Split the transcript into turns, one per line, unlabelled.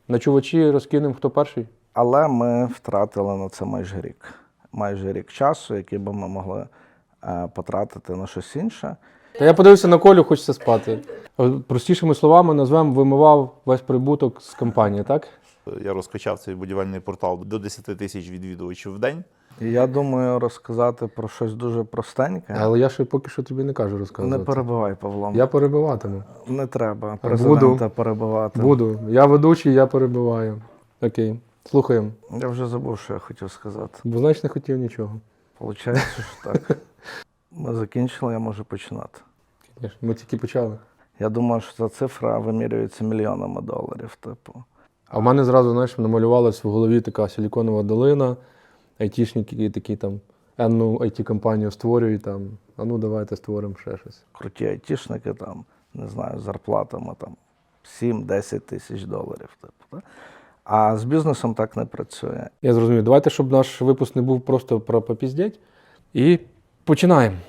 Ночувачі розкинемо, хто перший?
Але ми втратили на це майже рік. Майже рік часу, який би ми могли потратити на щось інше.
Та я подивився на Колю, хочеться спати. Простішими словами назвемо, вимивав весь прибуток з компанії, так?
Я розкачав цей будівельний портал до 10 тисяч відвідувачів в день.
І я думаю розказати про щось дуже простеньке.
Але я ще поки що тобі не кажу розказувати.
Не перебивай, Павло.
Я перебиватиму.
Не треба президента перебивати.
Буду. Я ведучий, я перебиваю. Окей. Слухаємо.
Я вже забув, що я хотів сказати.
Бо значить не хотів нічого.
Получається, що так. Ми закінчили, я можу починати.
Ми тільки почали.
Я думаю, що ця цифра вимірюється мільйонами доларів, типу.
А в мене зразу, знаєш, намалювалась в голові така силіконова долина, айтішники такі там, енну IT-компанію створюють там, а ну давайте створимо ще щось.
Круті айтішники там, не знаю, зарплатами там 7-10 тисяч доларів, типу. Так? А з бізнесом так не працює.
Я зрозумів. Давайте, щоб наш випуск не був просто про попіздять. І починаємо.